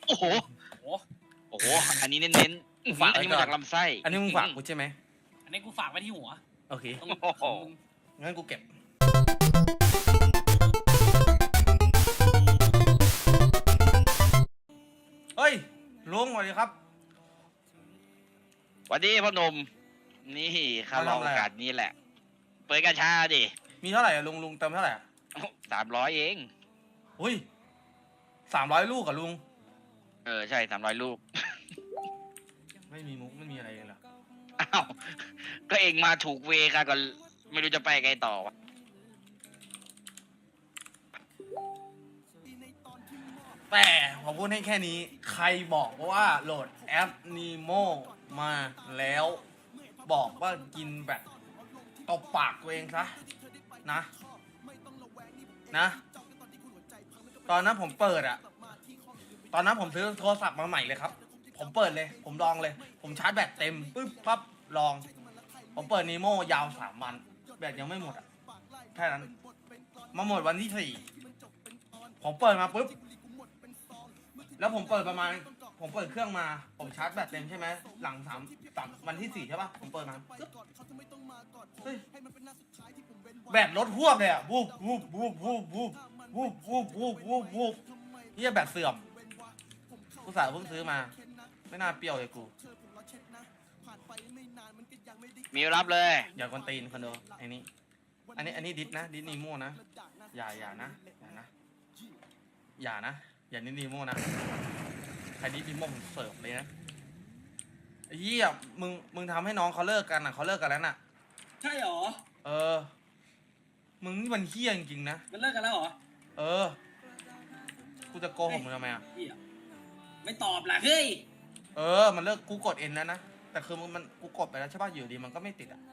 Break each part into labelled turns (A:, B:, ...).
A: โอ้โห
B: โอ้
A: โอ้โหอันนี้เน้นๆอันนี้มาจากลำไส้
C: อันนี้มึงฝากกูใช่ไหม
B: อันนี้กูฝากไว้ที่หัว
C: โอเค
B: ตรง
C: งั้นกูเก็บเฮ้ยลุงสวัสดีครับ
A: สวัสดีพ่อหนุ่มนี่ข้ารอโอกาสนี้แหละเปิดกระชาดิ
C: มีเท่าไหร่อะลุงเติมเท่าไหร่อะ
A: 300เอง
C: อุ้ย300 ลูกอะลุง
A: ใช่300ลูก
C: ไม่มีมุกไม่มีอะไรเลยเหรอ
A: อ้าวก็เองมาถูกเวค่ะก็ไม่รู้จะไปไงต่อวะ
C: แต่ผมพูดให้แค่นี้ใครบอกว่าโหลดแอป Nemo มาแล้วบอกว่ากินแบบตบปากตัวเองซะนะตอนนั้นผมเปิดอะตอนนั้นผมซื้อโทรศัพท์มาใหม่เลยครับผมเปิดเลยผมลองเลยผมชาร์จแบตเต็มปึ๊บปั๊บลองผมเปิด Nemo ยาว3 วันแบตยังไม่หมดอะแค่นั้นมาหมดวันที่4ผมเปิดมาปุ๊บแล้วผมเปิดเครื่องมาผมชาร์จแบตเต็มใช่ไหมหลัง3 วันที่4ใช่ปะผมเปิดมาเฮ้ยแบตลดหวบเลยอะวูบเฮียแบตเสื่อมกูสาวเพิ่งซื้อมาไม่น่าเปรี้ยวเลยกู
A: มีรับเลย
C: อย่ากวนตีนคอนโดอันนี้ดิสนะดิสนีโม่นะอย่านะอย่าดิสนีโม่นะใครดิสนีโม่ผมเสิร์ฟเลยนะไอ้เหี้ยมึงทำให้น้องเขาเลิกกันอ่ะเขาเลิกกันแล้วน่ะ
B: ใช่หรอ
C: มึงนี่มันเหี้ยจริงๆนะ
B: มันเลิกกันแล้วเหรอ
C: กูจะโกหกมึงทำไมอ่ะ
B: ไม่ตอบล่ะเฮ้ย
C: มันเลิกกูกดเอ็นแล้วนะแต่คือมันกูกดไปแล้วใช่ป่ะอยู่ดีมันก็ไม่ติดอ่ะ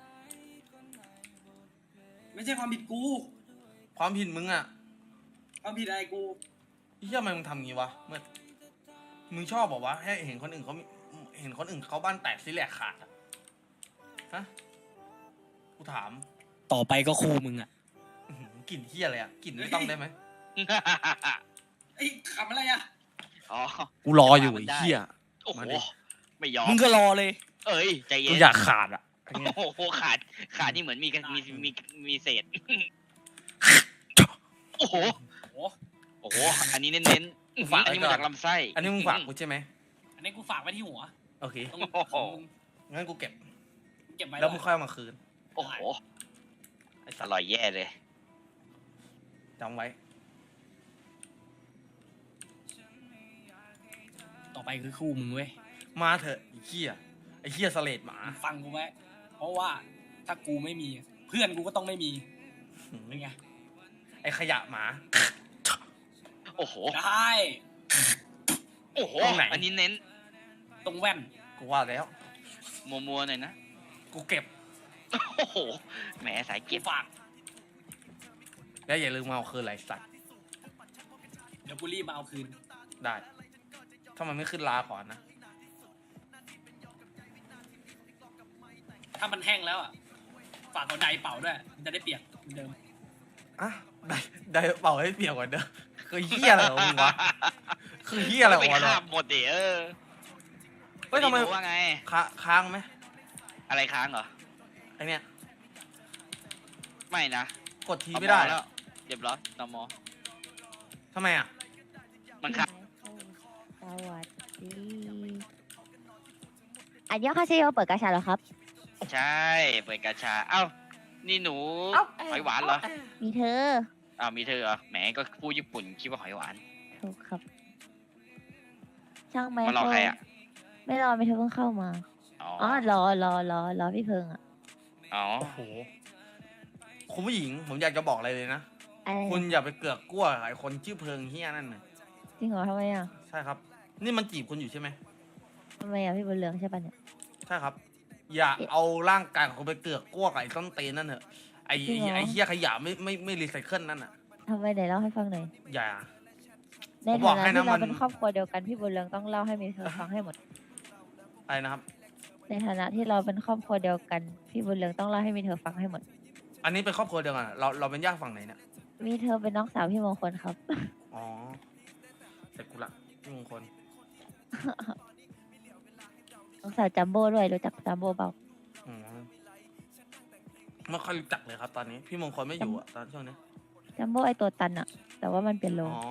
B: ไม่ใช่ความผิดกู
C: ความผิดมึงอ่ะ
B: ความผิดอะไรกู
C: เหี้ยทำไมมึงทำงี้วะเมื่อมึงชอบบอกว่าให้เห็นคนอื่นเขาบ้านแตกซิแหลกขาดอ่ะฮะกูถาม
B: ต่อไปก็ครูมึงอ่ะ
C: กลิ่นเหี้ยอะไรอ่ะกลิ่นไม่ต้องได้ไหม
B: ไอ้ขำอะไรอ่ะ
C: กูรออยู่ไอ้เหี้ย
A: โอ้โหไม่ยอม
B: มึงก็รอเลย
A: ใจเย็น
C: กูอยากขาดอ่ะ
A: โอ้โหขาดนี่เหมือนมีเศษโอ้โหอันนี้เน้นๆอันนี้มาจากลำไส้
C: อันนี้มึงฝากกูใช่ไหม
B: อันนี้กูฝากไว้ที่หัว
C: โอเคงั้นกูเก็บ
B: ไว้
C: แล้วมึงค่อยเอามาคืน
A: โอ้โหอร่อยแย่เลย
C: จำไว้
B: ต่อไปคือคู่มึงเว้ย
C: มาเถอะไอ้เหี้ยสเลดหมา
B: ฟังกูไว้เพราะว่าถ้ากูไม่มีเพื่อนกูก็ต้องไม่มีเป็นไง
C: ไอ้ขยะหมา
A: โอ้โห
B: ได้
A: โอ้โหอันนี้เน้น
B: ตรงแว่น
C: กูว่าแล้ว
A: มัวหน่อยนะ
C: กูเก็บ
A: โอ้โหแหมสายเก็บ
B: ฝาก
C: แล้วอย่าลืมมาเอาคืนไรสัตว์
B: เดี๋ยวกูรีบมาเอาคืน
C: ได้ถ้ามันไม่ขึ้นลาก่อนนะ
B: ถ้ามันแห้งแล้วอ่ะฝากเอาไดเป่าด้วยมันจะได้เปียกเหมือนเดิม
C: อ่ะไดเป่าให้เปียกกว่าเดิมคือเหี้ยอะไรของมึงวะคือเหี้ยอะไรของมึงวะ
A: หมดดิ
C: เฮ้ยทำไม
A: ว่าไง
C: ค้างไหม
A: อะไรค้างเหรอ
C: ไอเนี้ย
A: ไม่นะ
C: กดทีไม่ได้
A: แล้วเรียบร้อยตม
C: ทำไมอ่ะ
A: มันค้าง
D: สวัสดีอันยองคาเซโยเปิดกาชาเหรอครับ
A: ใช่เปิดกาชาเอ้านี่หนูหอยหวานเหรอ
D: มีเธอ
A: มีเธอเหรอแหมก็พูดญี่ปุ่นคิดว่าหอยหวาน
D: ถูกครับช่างไหม
A: มารอใครอ่ะ
D: ไม่รอไม่เธอเพิ่งเข้ามารอพี่เพิงอ่ะ
A: โอ้
C: โหคุณผู้หญิงผมอยากจะบอกอะไรเลยนะคุณอย่าไปเกือกกลัวไอ้คนชื่อเพิงเฮียนั่นน่ะ
D: จริงเหรอทำไมอ่ะ
C: ใช่ครับนี่มันจีบคุณอยู่ใช่ไหม
D: ทำไมอ่ะพี่บุญเรืองใช่ปะเนี่ย
C: ใช่ครับอย่าเอาร่างกายของคุณไปเกือกกลัวไอ้ต้นเตนนั่นเถอะไอ้เฮียขยะไม่รีไซเคิลนั่นน่ะ
D: ทำไมไหนเล่าให้ฟังหน่อย
C: อย่า
D: ในฐานะที่เราเป็นครอบครัวเดียวกันพี่บุญเรืองต้องเล่าให้มีเธอฟังให้หมด
C: อะไรนะครับ
D: ในฐานะที่เราเป็นครอบครัวเดียวกันพี่บุญเรืองต้องเล่าให้มีเธอฟังให้หมด
C: อันนี้เป็นครอบครัวเดียวกันเราเป็นญาติฝั่งไหนเนี่ย
D: มีเธอเป็นน้องสาวพี่มงคลครับ
C: อ๋อแต่กูละพี่มงคล
D: น้องสาวจัมโบ้ด้วยรู้จักจัมโบ้เปล่า
C: อืมไม่ค่อยรู้จักเลยครับ ตอนนี้ พี่มงคลไม่อยู่อะตอนช่วงนี้
D: จัมโบ้ไอตัวตันอะแต่ว่ามันเป็นโล
C: อ๋อ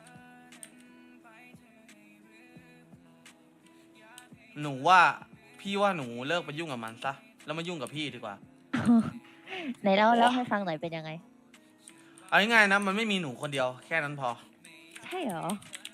C: หนูว่าพี่ว่าหนูเลิกไปยุ่งกับมันซะแล้วมายุ่งกับพี่ดีกว่า
D: ไหนเล่าให้ฟังหน่อยเป็นยังไง
C: เอาง่ายๆนะมันไม่มีหนูคนเดียวแค่นั้นพอ
D: ใช่เหรอ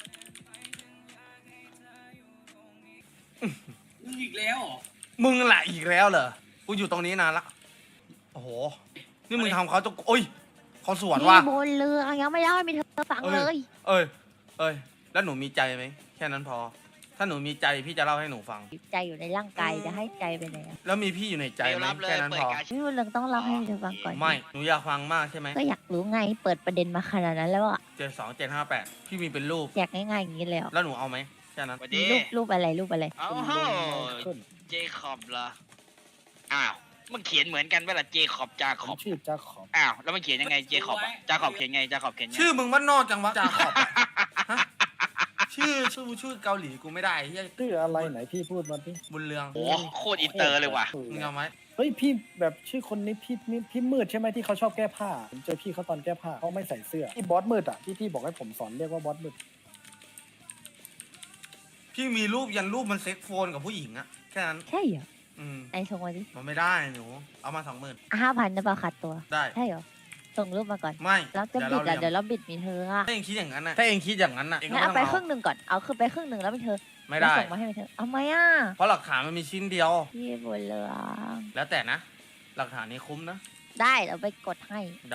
B: มึงอีกแล้วเหรอ
C: มึงแหละอีกแล้วเหรอกูอยู่ตรงนี้นานละโอ้โหนี่มึงทำเขาจะโอ้ยเขาสวนว่ะ
D: พี่บนเรือยังไม่เล่าให้มีเธอฟัง
C: เอ้ย
D: เลย
C: เอ้ยแล้วหนูมีใจไหมแค่นั้นพอ ถ้าหนูมีใจพี่จะเล่าให้หนูฟัง
D: ใจอยู่ในร่างกายจะให้ใจไปไหนอะ
C: แล้วมีพี่อยู่ในใจ
A: เดี๋ยว
C: ไหม
A: รับเลย
C: แค่นั้น
A: เปิ
C: พ
A: ด
C: อ
A: กาชา
D: พี่บนเรืองต้องเล่าให้มีเธอฟังก่อน
C: ไม่หนูอยากฟังมากใช่ไหม
D: ก็อยากรู้ไงเปิดประเด็นมาขนาดนั้นแล้วอะ
C: 72758พี่มีเป็นรูป
D: อยากง่ายๆอย่างนี้เลยเหรอ
C: แล้วหนูเอาไหมแค่นั้น
A: สวัส
D: มี
A: ดี
D: รูปอะไรรูปอะไร
A: เอ้าโหเจคอบเหรอ อ้าว มันเขียนเหมือนกันเวลาเจคอบจาคอบ
E: ชื่อจ้าขอบ
A: อ้าว แล้วมันเขียนยังไงเจคอบอะจาคอบเขียนไงจาคอบเขียนไง
C: ชื่อมึงว่านอกจังวะจาขอบอะฮะชื่อเกาหลีกูไม่ได้เฮีย
E: ชื่ออะไรไหนพี่พูดมาดิ
C: บุญเรือง
A: โอ้โคตรอินเตอร์เลยว่ะ
C: มึงเอาไหม
E: เฮ้ยพี่แบบชื่อคนนี้พี่มืดใช่ไหมที่เขาชอบแก้ผ้าผมเจอพี่เขาตอนแก้ผ้าเขาไม่ใส่เสื้อที่บอสมืดอ่ะที่พี่บอกให้ผมสอนเรียกว่าบอสมืด
C: พี่มีรูปยันรูปมันเซ็กโฟนกับผู้หญิงอะแค่นั้น
D: ใช่เหรอ
C: อืม
D: ไหนส่งมาดิ
C: มันไม่ได้หนูเอามา20,000
D: 5,000นะเปล่าขาดตัว
C: ได้
D: ใช่เหรอส่งรูปมาก่อน
C: ไม่
D: แล้วจะบิดอะเดี๋ยวเราบิดมีเธออะ
C: ถ้าเองคิดอย่างนั้นนะถ้าเองคิดอย่างนั้นนะเองก็
D: งั้น
C: ไม่
D: เอา
C: ต้อง
D: ไป
C: เอา
D: ครึ่งหนึ่งก่อนเอาคือไปครึ่งหนึ่งแล้วมีเธอ
C: ไม่ได้
D: แล้วส่งมาให้มีเธอเอาไหมอ่ะ
C: เพราะหลักฐานมันมีชิ้นเดียว
D: พี่บนเรือง
C: แล้วแต่นะ หลักฐานนี้คุ้มนะ
D: ได้เราไปกดให้
C: ได้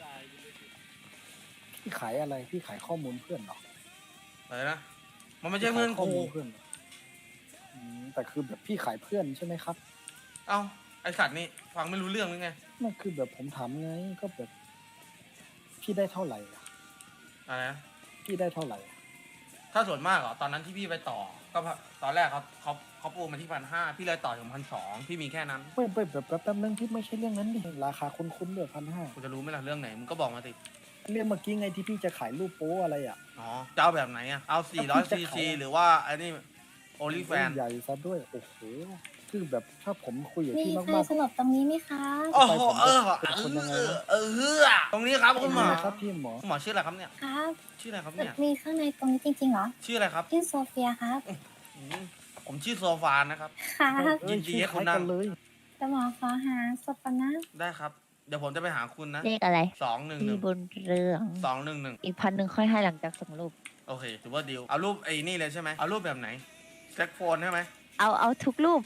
E: พี่ขายอะไรพี่ขายข้อมูลเพื่อนเหรอ
C: อะไรนะมันไม่ใช่เพื่อน
E: ข้อ
C: กู
E: มูลเพื่อนเหรอแต่คือแบบพี่ขายเพื่อนใช่ไหมครับ
C: เอ้าไอสัตว์นี่ฟังไม่รู้เรื่องหรือไง
E: นั่นคือแบบผมถามไงก็แบบ พี่ได้เท่าไหร่อะ
C: อะไรนะ
E: พี่ได้เท่าไหร่อะ
C: ถ้าส่วนมากเหรอตอนนั้นที่พี่ไปต่อ ก็ตอนแรกเขาปูมาที่1,500พี่เลยต่อถึง1,200พี่มีแค่นั้น
E: ไม่แบบแป๊บนึงพี่ไม่ใช่เรื่องนั้นดิราคาคุ้นๆด้วย1,500
C: กูจะรู้ไหมล่ะเรื่องไหนมึงก็บอกมาสิ
E: เรื่องเมื่อกี้ไงที่พี่จะขายรูปโป๊อะไรอ่ะ
C: อ๋อจะเอาแบบไหนอะเอา400 cc หรือว่าไอ้นี่โอลิแฟน
E: ใหญ่ซะด้วยโอ้โหคือแบบถ้าผมคุยกับ
F: มี
E: พี่
F: ใคร
E: มาก
F: สลบตรงนี้ไหมคะ
C: โอ้โห
E: เป็นคนยังไงนะ
C: ตรงนี้ครับ
E: ๆ
C: คุณหมอ
E: ครับพี่หมอ
C: คุณหมอชื่ออะไรครับเนี่ย
F: ครับ
C: ชื่ออะไรครับเนี่ย
F: มีข้างในตรงนี้จริงๆเหรอ
C: ชื่ออะไรครับ
F: ชื่อโซเฟียครับ
C: อืมผมชื่อโซฟานะครับ
F: ครับ
C: ยินดีให้คุณนั่ง
E: ชื่อคล้ายกันเลย
F: แต่หมอขอหาศพก่อนนะ
C: ได้ครับ เดี๋ยวผมจะไปหาคุณนะ
D: เลขอะไร
C: 211
D: พี่บนเรือง
C: 211
D: อีก1,000ค่อยให้หลังจากส่งรูป
C: โอเคถือว่าดีลเอารูปไอ้นี่เลยใช่ไหมเอารูปแบบไหนแซ็กโฟนใช่ไหม
D: เอาทุกรูป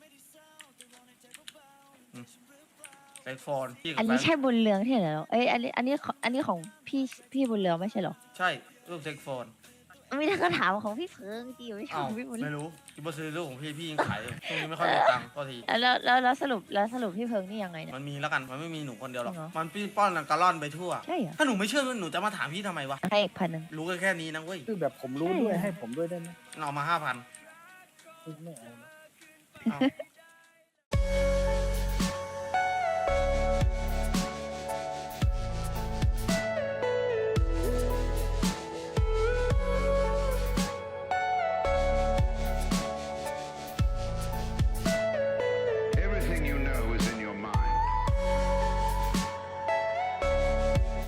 C: แซ็กโฟนพี่กับ
D: อัน
C: แฟ
D: นี้
C: น
D: ใช่บุญเรืองที่ไหนเหรอเอ้ยอันนี้ของพี่บุญเรืองไม่ใช่เหรอ
C: ใช่รูปแซ็กโฟน
D: ไม่ได้ก็ถามของพี่เพิงจีไม่ใช่
C: อ้า
D: ข
C: ว
D: องพี่บุญเรื
C: ไม่
D: อง
C: รู้ที่มาซื้อรูปของพี่ยังขายอยู่ช่วงนี้ไม่ค่อยมีตังค์ก็ที
D: แล้วสรุปพี่เพิงนี่ยังไงเนี่ย
C: มันมีแล้วกันมันไม่มีหนูคนเดียวหรอก
D: จริงเหรอ
C: มันปี้ป้อนกระล่อนไปทั่ว
D: ใช่เหรอ
C: ถ้าหนูไม่เชื่อหนูจะมาถามพี่ทำไมวะ
D: ให้อีก1,000
C: รู้แค่นี้นะเว้ย
E: คือแบบผมรู้ด้วยให้ผมด้วยได้ไหม
C: เอามา5,000
E: ไม่เอานะ
C: เอา